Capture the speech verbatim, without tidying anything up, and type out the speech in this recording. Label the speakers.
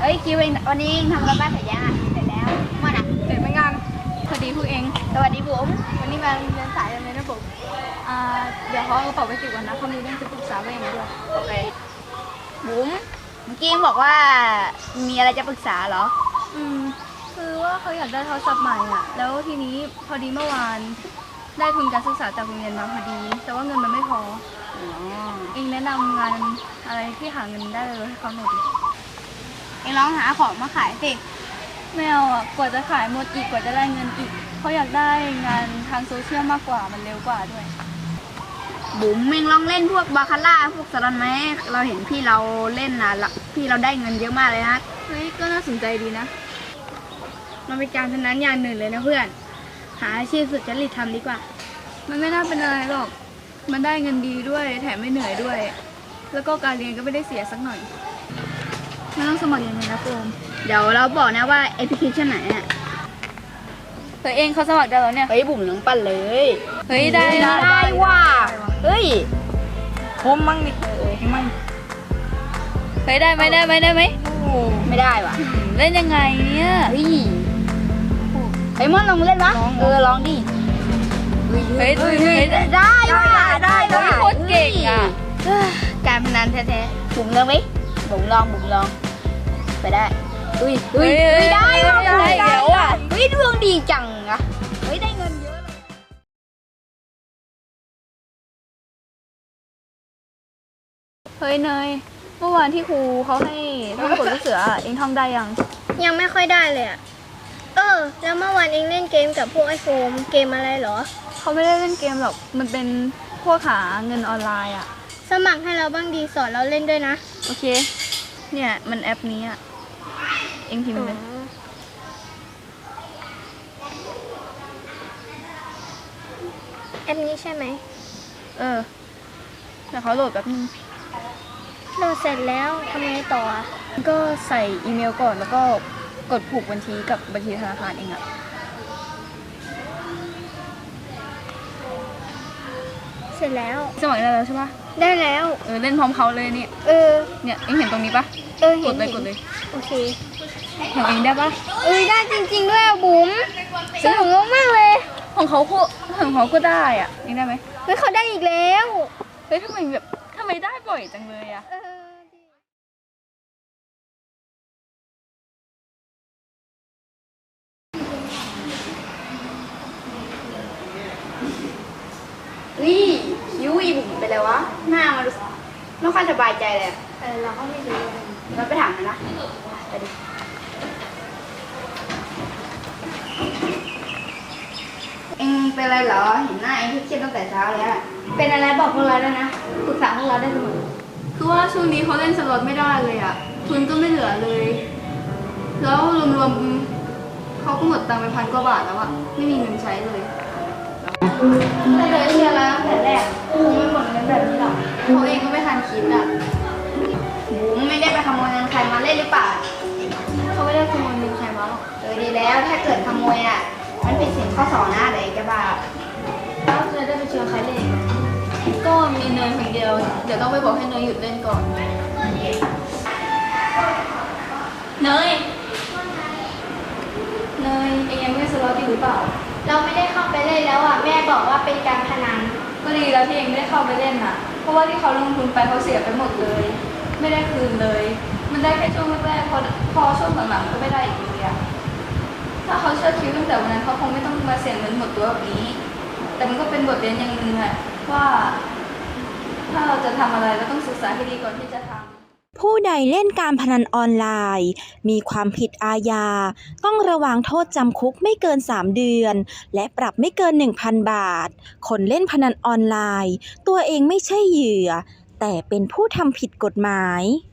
Speaker 1: เอ้ยคิวเองวันนี้ทำการบ้านเสร็จยังอ่ะเสร็จแล้วมาอ่ะ
Speaker 2: เสร็จเหมือนกันพอดีพวกเอง
Speaker 1: สวัสดีบุ๋ม
Speaker 2: วันนี้มาเรียนสายเลยนะผมอ่าเดี๋ยวเขาเอากระเป๋าไปเก็บก่อนนะเขามีเรื่องจะปรึกษาเองด้วย
Speaker 1: โอเคบุ๋มเมื่อกี้บอกว่ามีอะไรจะปรึกษาเหรอ
Speaker 2: อืมคือว่าเขาอยากได้โทรศัพท์ใหม่อ่ะแล้วทีนี้พอดีเมื่อวานได้ทุนการศึกษาจากโรงเรียนมาพอดีแต่ว่าเงินมันไม่พอ
Speaker 1: อ๋อ
Speaker 2: เองแนะนำงานอะไรที่หาเงินได้เลยให้เขาหน่อยดิ
Speaker 1: เองลองหาของมาขายสิ
Speaker 2: ไม่เอาอ่ะกว่าจะขายหมดอีกกว่าจะได้เงินอีกเขาอยากได้งานทางโซเชียลมากกว่ามันเร็วกว่าด้วย
Speaker 1: บุ๋มเองลองเล่นพวกบาคาร่าพวกสลันไหมเราเห็นพี่เราเล่นนะพี่เราได้เงินเยอะมากเลยนะ
Speaker 2: เฮ้ยก็น่าสนใจดีนะ
Speaker 1: มันเป็นการพนันอย่างหนึ่งเลยนะเพื่อนหาอาชีพสุจริตทำดีกว่า
Speaker 2: มันไม่น่าเป็นอะไรหรอกมันได้เงินดีด้วยแถมไม่เหนื่อยด้วยแล้วก็การเรียนก็ไม่ได้เสียสักหน่อยมันต้องสมัครยังไงนะโฟม
Speaker 1: เดี๋ยวเราบอกนะว่าแอปพลิเคชันไหนอ่ะ
Speaker 2: เฮ้ยเองเขาสมัครได้แล้วเนี่ย
Speaker 1: เฮ้ยบุ๋มน้องปั้นเลย
Speaker 2: เฮ้ยได้
Speaker 1: ได้ว่าเฮ้ย
Speaker 2: ผมมั่งดิเออมั่งเฮ้ยได้ไหมได้ไหมได้ไหม
Speaker 1: ไม่ได้ว่ะ
Speaker 2: เล่นยังไงเนี่ย
Speaker 1: เฮ้ยไอ้มอนลองเล่นวะเออลองดิ
Speaker 2: เฮ้ยเฮ้ย
Speaker 1: ได้ว่ะได้ว่ะ
Speaker 2: โคตรเก่งอ่ะ
Speaker 1: การพนันแท้ๆบุ๋มลองไหมบุ๋มลองบุ๋มลองไปได้อุ้ยอุ้ยไม่ได้ว่ะ
Speaker 2: ได้แล้วอ่ะ
Speaker 1: เฮ้ยดวงดีจังอะเฮ้ยได้เงินเยอะเลย
Speaker 2: เฮ้ยเนยเมื่อวานที่ครูเขาให้ท่องกฎลูกเสือเองท่องได้ยัง
Speaker 3: ยังไม่ค่อยได้เลยอ่ะเออแล้วเมื่อวานเองเล่นเกมกับพวกไอโฟมเกมอะไรเหรอ
Speaker 2: เขาไม่ได้เล่นเกมหรอกมันเป็นพวกหาเงินออนไลน์อ่ะ
Speaker 3: สมัครให้เราบ้างดีสอนเราเล่นด้วยนะ
Speaker 2: โอเคเนี่ยมันแอปนี้อ่ะเองพิมพ์เลย
Speaker 3: แอปนี้ใช่ไหม
Speaker 2: เออแต่เขาโหลดแบบนึง
Speaker 3: โหลดเสร็จแล้วทำไงต่อ
Speaker 2: ก็ใส่อีเมลก่อนแล้วก็กดผูกบัญชีกับบัญชีธนาคารเองอะ
Speaker 3: เสร็จแล้ว
Speaker 2: สมัครได้แล้วใช่ปะ
Speaker 3: ได้แล้ว
Speaker 2: เออเล่นพร้อมเขาเลยเนี่ย
Speaker 3: เออ
Speaker 2: เนี่ยเองเห็นตรงนี้ปะ
Speaker 3: เออเห็น
Speaker 2: กดเลยกดเลย
Speaker 3: โอเค
Speaker 2: ของเองได้ปะ
Speaker 3: เออได้จริงๆด้วยบุ๋มสนุกมากเลย
Speaker 2: ของเขาคู่ของเขาก็ได้อ่ะเองได้ไหม
Speaker 3: เฮ้ยเขาได้อีกแล้ว
Speaker 2: เฮ้ยทำไมแบบทำไมได้บ่อยจังเลยอ่ะ
Speaker 1: นี่คิ้วอีบุ๋มไปเลยวะหน้ามันไม่ค่อยสบายใจเลย
Speaker 3: เออเราก็ไม่รู้
Speaker 1: เราไปถามมันนะไปดิเอ็งเป็นอะไรเหรอเห็นหน้าเอ็งเครียดตั้งแต่เช้าเลยอะ
Speaker 3: เป็นอะไรบอกพวกเราได้นะปรึกษาพวกเราได้เสมอ
Speaker 2: คือว่าช่วงนี้เขาเล่นสล็อตไม่ได้เลยอ่ะทุนก็ไม่เหลือเลยแล้วรวมๆเขาก็หมดตังค์ไปพันกว่าบาทแล้วอ่ะไม่มีเงินใช้เลย
Speaker 1: แต่เลยเชียร์แล้วตั้งแต่แรกคงไม่หมดเงินแบบนี้หรอก
Speaker 2: เขาเองก็ไม่ทันคิดอ่ะ
Speaker 1: บุ๋มไม่ได้ไปขโมยเงินใครมาเล่นหรือเปล่า
Speaker 2: เขาไม่ได้ขโมยเงินใครมาหรอก
Speaker 1: เออดีแล้วถ้าเกิดขโมยอ่ะมันเป็นสิ่งข้อสองนะเดี๋ยวจะบาป
Speaker 2: แล้วจะได้ไปเชิญใครเล่นก็มีเนยคนเดียวเดี๋ยวต้องไปบอกให้เนยหยุดเล่นก่อนเนยเนยเองยังเล่นสล็อตอยู่หรือเปล่า
Speaker 3: เราไม่ได้เข้าไปเล่นแล้วอ่ะแม่บอกว่าเป็นการพนัน
Speaker 2: ก็ดีแล้วที่เองไม่ได้เข้าไปเล่นอ่ะเพราะว่าที่เขาลงทุนไปเขาเสียไปหมดเลยไม่ได้คืนเลยมันได้แค่ช่วงแรกๆพอพอช่วงหลังๆก็ไม่ได้อีกเลยอ่ะถ้าเขาเชื่อคิวตั้งแต่วันนั้นเขาคงไม่ต้องมาเสี่ยงเงินหมดตัวแบบนี้แต่มันก็เป็นบทเรียนอย่างหนึ่งแหละว่าถ้าเราจะทำอะไรเราต้องศึกษาให้ดีก่อนที่จะทำ
Speaker 4: ผู้ใดเล่นการพนันออนไลน์มีความผิดอาญาต้องระวางโทษจำคุกไม่เกินสามเดือนและปรับไม่เกิน หนึ่งพัน บาทคนเล่นพนันออนไลน์ตัวเองไม่ใช่เหยื่อแต่เป็นผู้ทำผิดกฎหมาย